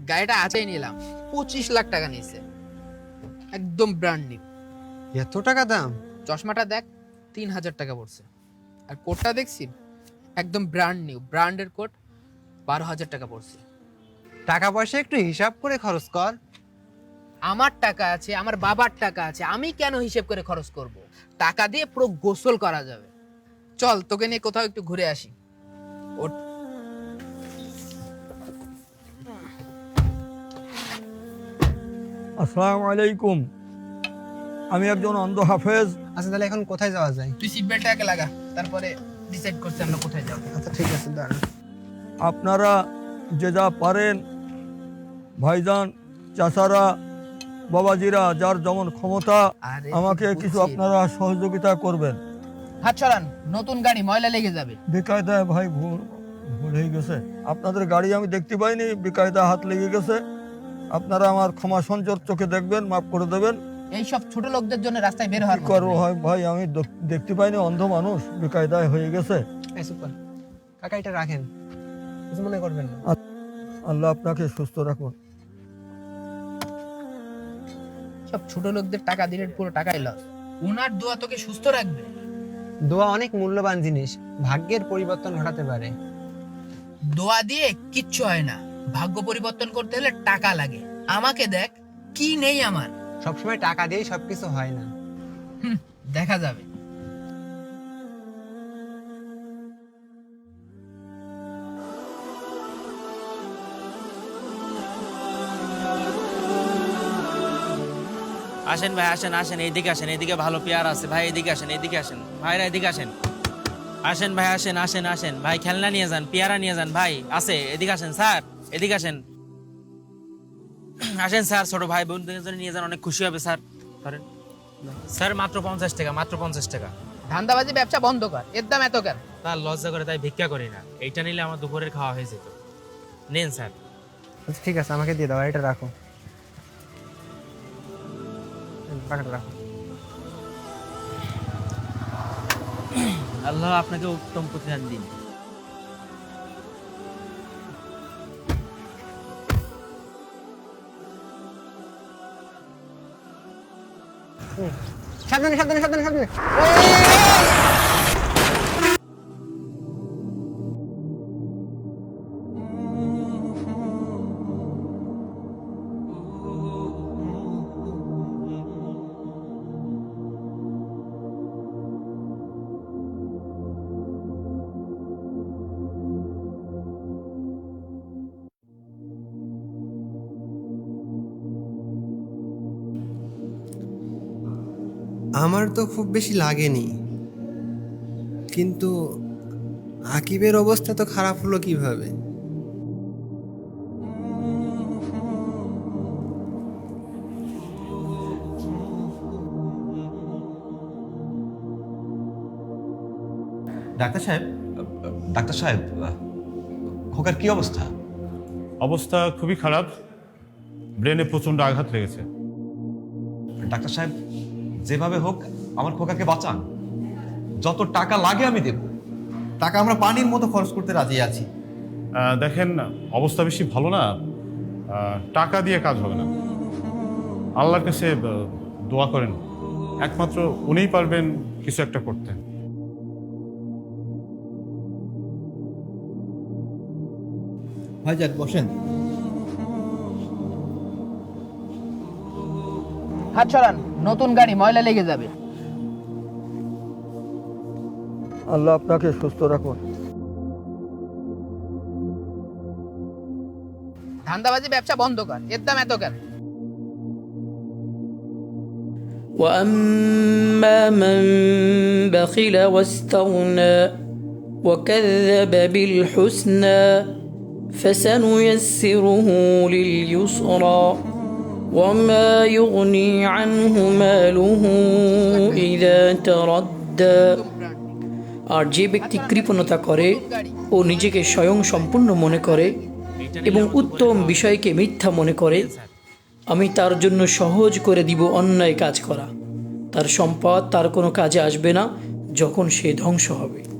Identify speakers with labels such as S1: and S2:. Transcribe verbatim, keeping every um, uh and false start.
S1: গাড়িটা আজই নিলাম, পঁচিশ লাখ টাকা নিয়েছে, একদম ব্র্যান্ড নিউ।
S2: এত টাকা দাম?
S1: চশমাটা দেখ, তিন হাজার টাকা পড়ছে। আর কোটটা দেখছি, একদম ব্র্যান্ড নিউ, ব্র্যান্ডের কোট, বারো হাজার টাকা পড়ছে।
S2: টাকা পয়সা একটু হিসাব করে খরচ কর।
S1: আমার টাকা আছে, আমার বাবার টাকা আছে, আমি কেন হিসেব করে খরচ করব? টাকা দিয়ে পুরো গোসল করা যাবে। চল তোকে নিয়ে কোথাও একটু ঘুরে আসি। ওঠ।
S3: আসসালামু আলাইকুম, আমি একজন অন্ধ হাফেজ।
S2: আচ্ছা তাহলে এখন কোথায় যাওয়া যায়?
S1: তুই সিট বেল্টটা আগে লাগা, তারপরে ডিসাইড করছি আমরা কোথায় যাবো।
S2: আচ্ছা ঠিক আছে, দাঁড়া।
S3: আপনারা যে যা পারেন, ভাইজান, চাচারা, বাবাজিরা, যার যেমন ক্ষমতা,
S1: আরে
S3: আমাকে
S1: তুই
S3: কিছু
S1: বুঝছিস।
S3: আপনারা সহযোগিতা করবেন।
S1: হাত ছড়ান, নতুন গাড়ি, ময়লা লেগে যাবে।
S3: বেকায়দায় ভাই ভুল ভুল হয়ে গেছে। আপনাদের গাড়ি আমি দেখতে পাইনি, বেকায়দা হাত লেগে গেছে। আপনারা আমার ক্ষমা সঞ্চর চোখে দেখবেন, মাফ করে দেবেন।
S1: এই সব ছোট লোকদের জন্য রাস্তায় বের
S3: কি
S1: হওয়ার মতো
S3: করবো
S1: নেই।
S3: হয় ভাই, আমি দেখ- দেখতে পাইনি, অন্ধ মানুষ, বেকায়দায় হয়ে গেছে।
S2: এই সুপার কাকা, এটা রাখেন, কিছু মনে করবেন না।
S3: আল্লাহ আপনাকে সুস্থ রাখুন।
S1: সব ছোট লোকদের টাকা দিলে পুরো টাকাই লস। উনার দোয়া তোকে সুস্থ রাখবে।
S2: দোয়া অনেক মূল্যবান জিনিস, ভাগ্যের পরিবর্তন ঘটাতে পারে।
S1: দোয়া দিয়ে কিচ্ছু হয় না, ভাগ্য পরিবর্তন করতে হলে টাকা লাগে। আমাকে দেখ, কি নেই আমার।
S2: সবসময় টাকা দিয়েই সবকিছু হয় না।
S1: হুম, দেখা যাবে।
S4: আসেন ভাই, আসেন আসেন, এইদিকে আসেন, এইদিকে ভালো পেয়ার আছে ভাই, এদিকে আসেন, এদিকে আসেন ভাইরা, এদিকে আসেন। আসেন ভাই, আসেন আসেন আসেন ভাই, খেলনা নিয়ে যান, পেয়ারা নিয়ে যান ভাই, আছে, এদিকে আসেন স্যার, এদিকে আসেন। আসেন স্যার, ছোট ভাই বোনদের জন্য নিয়ে যান, অনেক খুশি হবে স্যার। ধরেন স্যার, মাত্র পঞ্চাশ টাকা, মাত্র পঞ্চাশ টাকা।
S1: ধান্দাবাজি ব্যবসা বন্ধ কর, এর দাম এত কেন?
S4: তার লজ্জা করে তাই ভিক্ষা করি না, এইটা নিলে আমার দুপুরের খাওয়া হয়ে যেত। নেন স্যার।
S2: আচ্ছা ঠিক আছে, আমাকে দিয়ে দাও, আর এটা রাখো, টাকাটা রাখো।
S4: আল্লাহ আপনাকে উত্তম প্রতিদান দিন।
S2: সাবধানে সাবধানে সাবধানে সাবধানে। আমার তো খুব বেশি লাগেনি, কিন্তু আকিবের অবস্থা তো খারাপ হলো কিভাবে?
S5: ডাক্তার সাহেব, ডাক্তার সাহেব, খোকার কি অবস্থা?
S6: অবস্থা খুবই খারাপ, ব্রেনে প্রচণ্ড আঘাত লেগেছে।
S5: ডাক্তার সাহেব, যেভাবে হোক আমার খোকাকে বাঁচান। যত টাকা লাগে আমি দেব। টাকা আমরা পানির মতো খরচ করতে রাজি আছি।
S6: আহ, দেখেন, অবস্থা বেশি ভালো না, আহ, টাকা দিয়ে কাজ হবে না। আল্লাহর কাছে আহ, দোয়া করেন, একমাত্র উনিই পারবেন কিছু একটা করতে।
S5: ভাইজান বসেন।
S1: হাত ছড়ান, নতুন গাড়ি, ময়লা লেগে যাবে।
S3: আল্লাহ আপনাকে সুস্থ রাখুন।
S1: ধান্দাবাজি ব্যবসা বন্ধ কর, এর দাম এত কেন?
S7: وأما من بخل واستغنى وكذب بالحسنى فسنيسره لليسرى وما يغني عنه ماله إذا تردى। আর যে ব্যক্তি কৃপণতা করে ও নিজেকে স্বয়ং সম্পূর্ণ মনে করে এবং উত্তম বিষয়কে মিথ্যা মনে করে, আমি তার জন্য সহজ করে দিব অন্যায় কাজ করা। তার সম্পদ তার কোনো কাজে আসবে না যখন সে ধ্বংস হবে।